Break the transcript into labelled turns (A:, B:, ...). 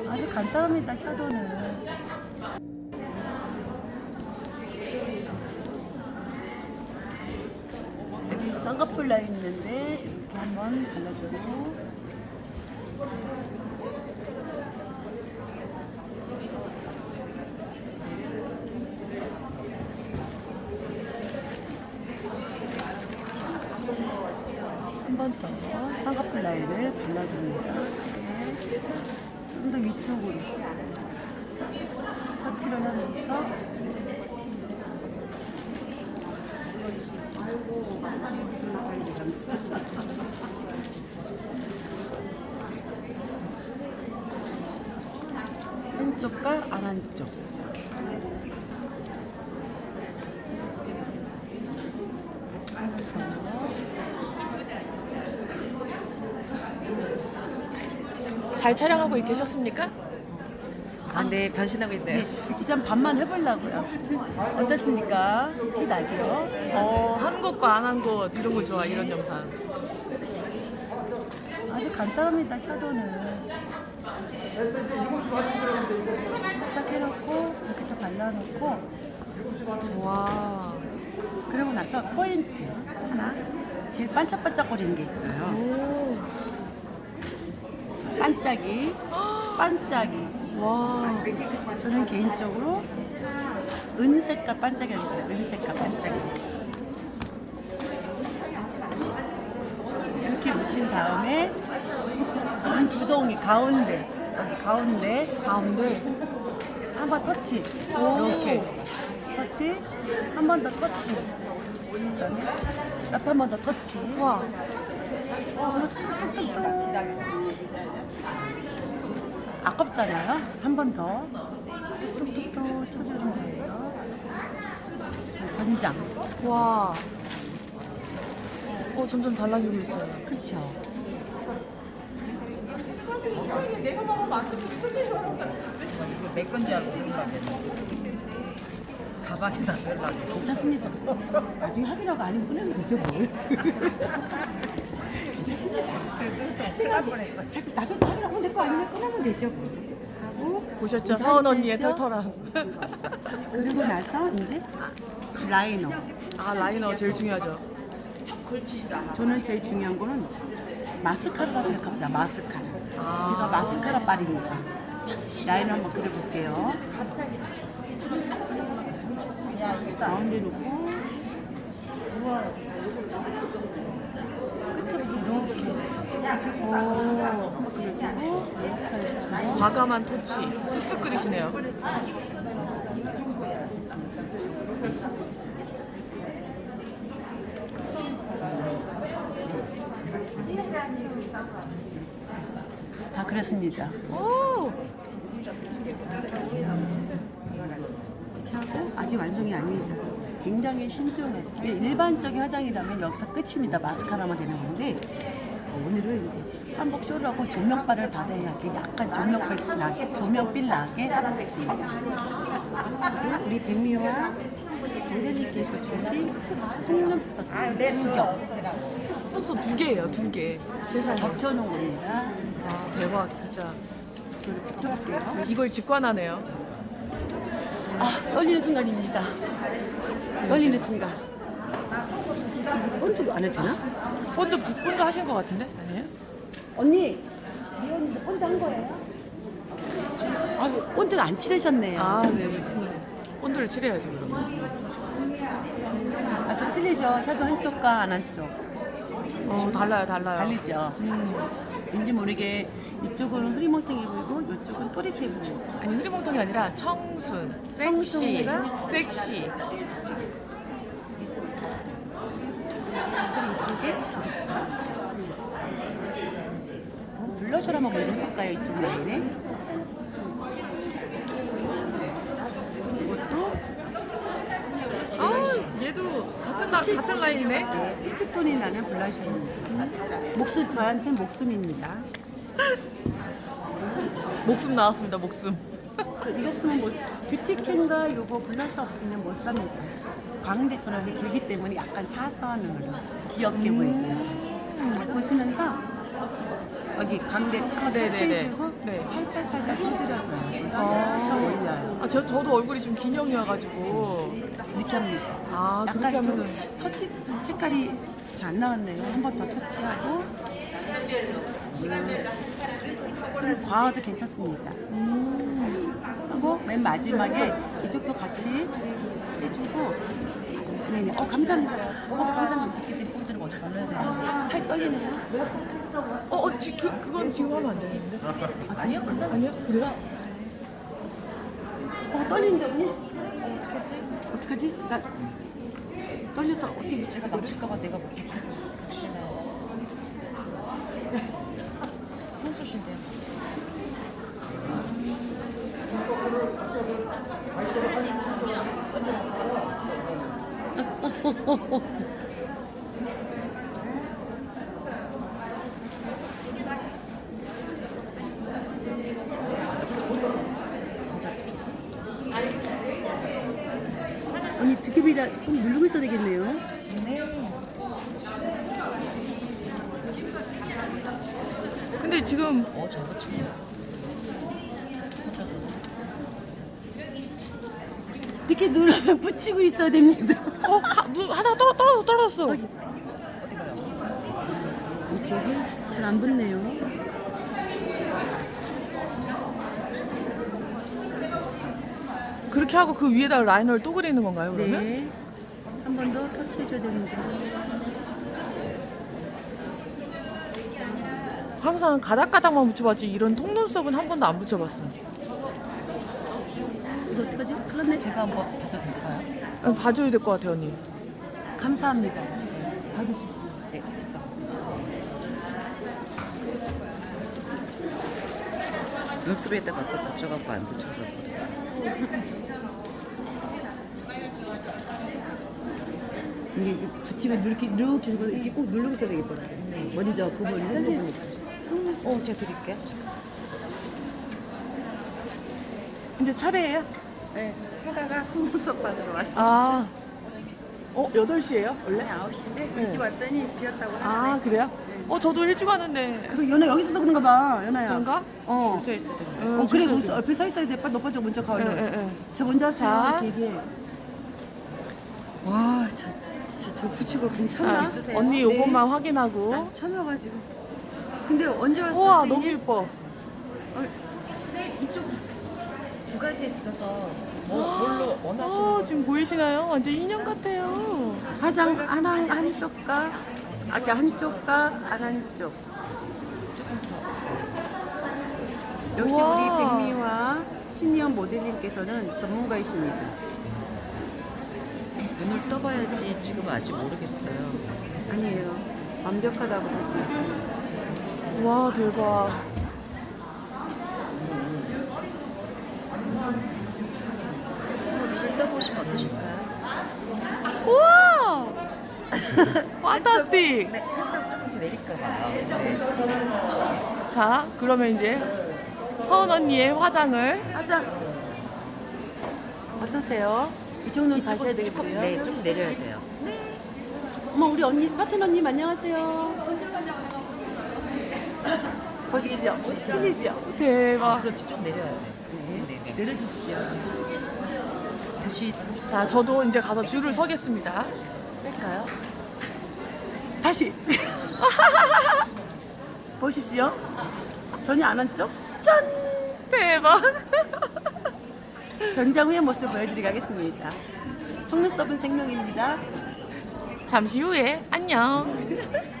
A: 아주 간단합니다, 샤도는. 여기 쌍꺼풀 라인 있는데 이렇게 한번 발라주고, 한 번 더 쌍꺼풀 라인을 발라줍니다. 좀 더 위쪽으로 터치를 하면서 한쪽과 안 한쪽.
B: 잘 촬영하고 계셨습니까?
C: 아, 네, 변신하고 있네요.
A: 이제 반만 해보려고요. 어떠십니까? 티 나죠?
B: 한 곳과 안 한 곳 이런 거 좋아, 이런 영상.
A: 아주 간단합니다, 샤도는. 살짝 해놓고 이렇게 또 발라놓고,
B: 와.
A: 그러고 나서 포인트 하나, 제일 반짝반짝거리는 게 있어요.
B: 오.
A: 반짝이, 반짝이.
B: 와.
A: 저는 개인적으로 은색깔 반짝이라고 있어요. 은색깔 반짝이. 이렇게 묻힌 다음에 눈 두 동이 가운데, 여기 가운데 한번 터치. 이렇게 터치, 한 번 더 터치. 그다음에 옆에 한 번 더 터치.
B: 와.
A: 그렇지. 뚝뚝뚝. 아깝잖아요. 한 번 더 뚝뚝뚝 쳐주는 거예요. 권장.
B: 와. 점점 달라지고 있어요.
A: 그렇죠.
C: 이거 내 건 줄 알고 넣으려고 가방에다 넣으려고.
A: 괜찮습니다. 나중에 확인하고 아니면 꺼내면 되죠, 뭘. 괜찮습니다.
C: 제가 할 뻔했어.
A: 나중에 확인하고 내 거 아니면 꺼내면 되죠, 뭘. 하고
B: 보셨죠? 서은 언니의
A: 괜찮죠?
B: 털털함.
A: 그리고 나서 이제 라이너.
B: 아, 라이너 제일 중요하죠.
A: 저는 제일 중요한 거는 마스카라라 생각합니다. 마스카라. 제가 마스카라 빨입니다. 라이너 한번 그려볼게요. 가운데 놓고 끝에부터 이렇게 그리고
B: 과감한 터치. 쓱쓱 그리시네요.
A: 다 그렸습니다.
B: 오.
A: 하고 아직 완성이 아닙니다. 굉장히 신중해. 일반적인 화장이라면 여기서 끝입니다. 마스카라만 되는 건데 오늘은 이제 한복 쇼라고 조명빨을 받아야 게 약간 조명빛 나게 해보겠습니다. 그리고 우리 백미와 대련님께서 주신 속눈썹 2겹
B: 손수 2개예요, 2개. 세상에.
A: 겹쳐놓은 겁니다.
B: 와, 대박, 진짜.
A: 이걸 붙여볼게요.
B: 이걸 직관하네요.
A: 떨리는 순간입니다. 떨리는 순간. 본드도 안 해도 되나?
B: 본드 하신 것 같은데? 아니에요?
A: 언니, 이 언니 본드 한 거예요? 본드가 안 칠하셨네요.
B: 아, 네. 본드를 칠해야죠, 그러면.
A: 그래서 틀리죠. 샤도 한쪽과 안 한쪽.
B: 달라요.
A: 달리죠. 왠지 모르게 이쪽은 흐리멍텅해 보이고 이쪽은 또릿해 보이고.
B: 아니, 흐리멍텅이 아니라 청순, 섹시,
A: 청순이가?
B: 섹시.
A: 이쪽에 블러셔를 한번 먼저 해볼까요? 이쪽 라인에. 이것도
B: 얘도 같은 라인이네.
A: 네, 피치톤이 나는 블러셔입니다. 저한테는 목숨입니다.
B: 목숨 나왔습니다, 목숨.
A: 이거 없으면 뷰티캔과 요거 블러셔 없으면 못 삽니다. 광대처럼 길기 때문에 약간 사선으로 귀엽게 보이기 위해서 싹 웃으면서 여기 광대 한번
B: 네네네.
A: 터치해주고
B: 네.
A: 살살살살
B: 저도 얼굴이 좀 긴형이어가지고.
A: 이렇게 합니다.
B: 아, 그렇게
A: 약간 좀
B: 하면은.
A: 터치 좀 색깔이 잘 안 나왔네요. 한 번 더 터치하고 좀 과해도 괜찮습니다. 하고 맨 마지막에 이쪽도 같이 해주고 네네. 감사합니다. 감사합니다.
C: 새끼들이 꼴들을 먼저 발라야 되는데.
A: 살 떨리네요.
B: 그건 지금 하면 안 되는데.
C: 아니요, 그건
B: 아니야? 그래요?
A: 떨리는데 언니?
C: 어떡하지?
A: 어떡하지? 나 떨려서 어떻게
C: 내가
A: 붙이지?
C: 망칠까봐 내가 못 붙여줘. 혹시나. 선수신데.
A: 언니 두께비라 꼭 누르고 있어야 되겠네요.
B: 근데 지금
C: 잘 붙이네.
A: 이렇게 눌러 붙이고 있어야 됩니다.
B: 하나 떨어졌어.
A: 이쪽이 잘 안 붙네요.
B: 그렇게 하고 그 위에다 라이너를 또 그리는 건가요, 그러면?
A: 네. 한 번 더 터치해줘야 됩니다.
B: 항상 가닥가닥만 붙여봤지 이런 통눈썹은 한 번도 안 붙여봤어요.
A: 이거 어떡하지? 큰일 났네.
C: 제가 한번 봐도 될까요?
B: 봐줘야 될 것 같아요, 언니.
A: 감사합니다. 받으십시오.
C: 네. 눈썹에다가 또 붙여갖고 안 붙여줘.
A: 이게 붙이고 이렇게 해서 이렇게 꼭 누르고 있어야 되겠더라고요. 먼저 그걸 선생님.
C: 제가 드릴게요.
B: 이제 차례예요?
D: 네, 하다가 속눈썹 받으러 왔어요.
B: 아, 8시예요, 원래?
D: 9시인데
B: 네.
D: 일찍 왔더니 비었다고 하네.
B: 아, 그래요? 저도 일찍 왔는데.
A: 그 연아 여기 있어서 그런가 봐, 연아야.
B: 그런가?
C: 줄서 있어야 되는
B: 응,
A: 그래,
B: 진짜
A: 거기서 옆에 서 있어야 돼. 빨리 너 먼저 가.
B: 예,
A: 얼른.
B: 예, 예.
A: 저 먼저
B: 자.
A: 왔어요. 이렇게 얘기해.
D: 와, 저 붙이고 괜찮아?
B: 자, 언니 요것만 확인하고.
D: 처음이가지고. 근데 언제 왔어?
B: 우와,
D: 선생님?
B: 너무 예뻐.
C: 이쪽 두 가지 있어서 뭘로 원하시는
B: 지금 보이시나요? 완전 인형 같아요.
A: 화장 한쪽과 아까 한쪽과 안 한쪽. 역시
B: 우와.
A: 우리 백미화 시니어 모델님께서는 전문가이십니다.
C: 눈을 떠봐야지 지금은 아직 모르겠어요.
A: 아니에요. 완벽하다고 볼 수 있습니다.
B: 와, 대박.
C: 눈을 떠보시면 어떠실까요?
B: 우와! 판타스틱!
C: 네, 한쪽 조금 내릴까봐. 네.
B: 자, 그러면 이제 서은 언니의 화장을.
A: 화장 어떠세요? 이쪽 눈 가셔야
C: 조금,
A: 되겠고요.
C: 네, 좀 내려야 돼요.
A: 어머, 우리 언니 파트너님 안녕하세요. 보십시오. 틀리죠?
B: 대박.
C: 그렇지, 좀 내려야 돼. 네.
A: 내려주십시오.
C: 다시
B: 자, 저도 이제 가서 줄을 서겠습니다.
A: 뺄까요? 다시. 보십시오. 전혀 안 한쪽. 짠!
B: 대박.
A: 변장 후의 모습 보여드리게 하겠습니다. 속눈썹은 생명입니다.
B: 잠시 후에 안녕.